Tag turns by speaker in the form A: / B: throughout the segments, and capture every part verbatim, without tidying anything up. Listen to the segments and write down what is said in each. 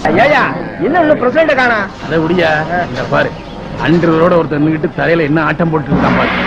A: ஐயா என்ன இன்னும் பிரசிடண்ட காணா?
B: அதை முடியா இந்த பாரு அன்றரோட ஒருத்தர் நின்னுட்டு தலையில என்ன ஆட்டம் போட்டு இருக்கான் பாரு.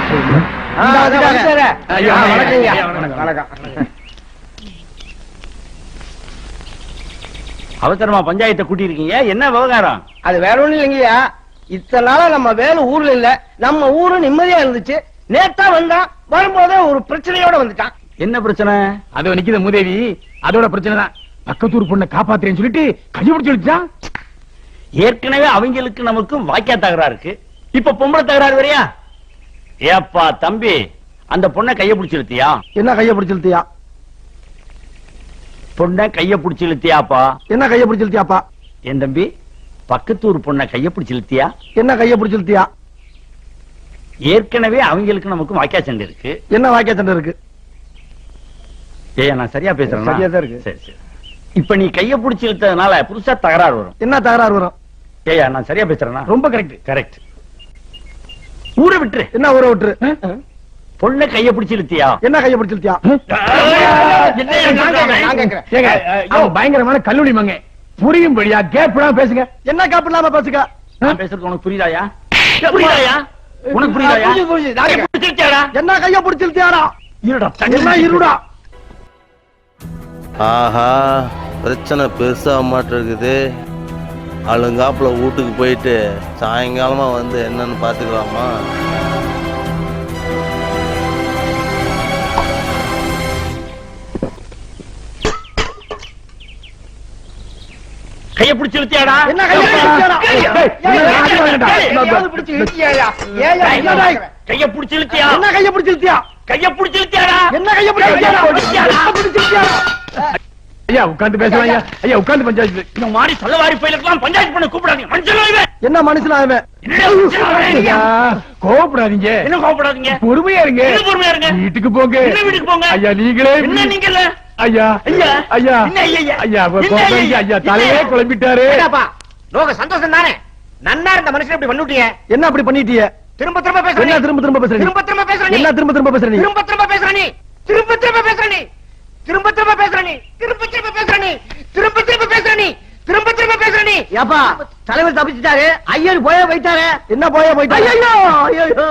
C: அவசரமா பஞ்சாயத்தை கூட்டி இருக்கீங்க, என்ன விவகாரம்?
A: அது வேற ஒண்ணும் இல்லைங்கய்யா, இத்தனை நாளா நம்ம வேலை ஊர்ல இல்ல, நம்ம ஊரு நிம்மதியா இருந்துச்சு. நேத்தா வந்தான், வரும்போதே ஒரு பிரச்சனையோட வந்துட்டான்.
C: என்ன பிரச்சனை?
B: அது நிக்கித மூதேவி, அதோட பிரச்சனை தான். பக்கத்தூர் பொண்ணை காப்பாத்துறேன்னு சொல்லிட்டு கையபிடிச்சு வச்சான்.
C: ஏற்கனவே அவங்களுக்கு நமக்கும் வாக்கியா தகராறு இருக்கு, இப்ப பொம்பளை தகராறு வரையா? ஏப்பா தம்பி, அந்த பொண்ணை கைய பிடிச்சு இழுத்தியா?
A: என்ன கைய பிடிச்சு இழுத்தியா?
C: பொண்ணை கைய பிடிச்சு இழுத்தியாப்பா?
A: என்ன கைய பிடிச்சு இழுத்தியாப்பா?
C: என் தம்பி, பக்கத்தூர் பொண்ணை கைய பிடிச்சு இழுத்தியா?
A: என்ன கைய பிடிச்சு இழுத்தியா?
C: ஏற்கனவே அவங்களுக்கு நமக்கும் வாக்கியா சண்டை இருக்கு.
A: என்ன வாக்கியா சண்டை இருக்கு?
C: ஏய், நான் சரியா பேசுறேன்?
A: சரியா தான் இருக்கு.
C: சரி சரி. இப்ப நீ கைய பிடிச்சு இழுத்ததுனால புதுசா தகராறு வரும்.
A: என்ன தகராறு வரும்?
C: ஏயா, நான் சரியா பேசுறேன்னா?
A: ரொம்ப கரெக்ட்.
C: கரெக்ட். ஊரை விட்டுரு.
A: என்ன ஊரை விட்டுரு?
C: பொண்ணை கைய பிடிச்சு இழுத்தியா?
A: என்ன கைய பிடிச்சு இழுத்தியா?
B: பயங்கரமான கல்லூரி மங்க புரியும்படியா கேப் பேசுங்க.
A: என்ன கேப் இல்லாம பேசுங்க?
C: நான் பேசுறது உனக்கு புரியுதாயா? புரியுதாயா? உனக்கு புரியுதாயா?
A: என்ன கைய பிடிச்சு இழுத்தியாடா?
C: இருடா,
A: என்ன இருடா?
D: ஆஹா, பிரச்சனை பெருசா மாட்டு இருக்குது. அழுங்காப்புல வீட்டுக்கு போயிட்டு சாயங்காலமா வந்து என்னன்னு பாத்துக்கலாமா?
C: கைய பிடிச்சு இழுத்தியாடா?
A: என்ன கைய பிடிச்சு இழுத்தியாடா?
C: கைய பிடிச்சு இழுத்தியா?
A: என்ன கைய பிடிச்சு இழுத்தியா?
C: கைய பிடிச்சு இழுத்தியாடா?
A: என்ன கைய பிடிச்சு
B: ஐயா உட்கார்ந்து பேசுவாங்க. ஐயா உட்கார்ந்து பஞ்சாயத்து.
C: இந்த மாதிரி சொல்லவாரி பயிலுக்கெல்லாம் பஞ்சாயத்து பண்ண கூப்பிடாதீங்க. மனுஷன்
A: என்ன மனுஷன்?
B: கோவப்படாதீங்க.
C: என்ன கோவப்படாதீங்க?
B: பொறுமையா இருங்க.
C: பொறுமையா இருங்க.
B: வீட்டுக்கு போங்க.
C: என்ன வீட்டுக்கு போங்க?
B: ஐயா நீங்களே
C: என்ன நீங்கல்ல?
B: ஐயா
C: ஐயா
B: ஐயா
C: என்ன ஐயா?
B: ஐயா ஐயா தலையே குழம்பிட்டாரு.
A: லோக சந்தோஷம் தானே? நன்னா இருந்த மனுஷன் இப்படி பண்ணிட்டீங்க. என்ன அப்படி பண்ணிட்டீங்க? திரும்ப திரும்ப பேசுற. என்ன திரும்ப திரும்ப பேசுற? திரும்ப திரும்ப பேசுற. என்ன திரும்ப திரும்ப பேசுற? திரும்ப திரும்ப பேசுற. நீ திரும்ப திரும்ப பேசுற. நீ திரும்ப திரும்ப பேசுற. நீ திரும்ப திரும்ப பேசுற. நீ திரும்ப திரும்ப பேசுற. நீ திரும்ப திரும்ப பேசுற. நீ ஏப்பா தலைவர் தப்பிச்சிட்டாரு, ஐயர் போயே போயிட்டாரு. என்ன போயே போயிட்டாரு? ஐயோ ஐயோ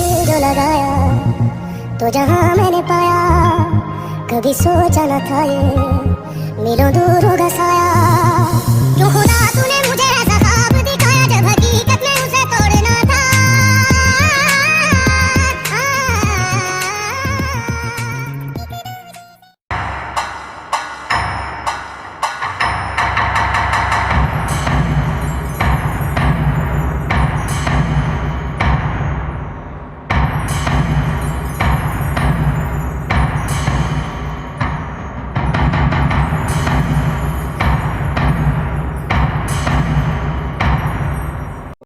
E: तो जहां मैंने पाया कभी सोचा न था ये मिलो दूर होगा साया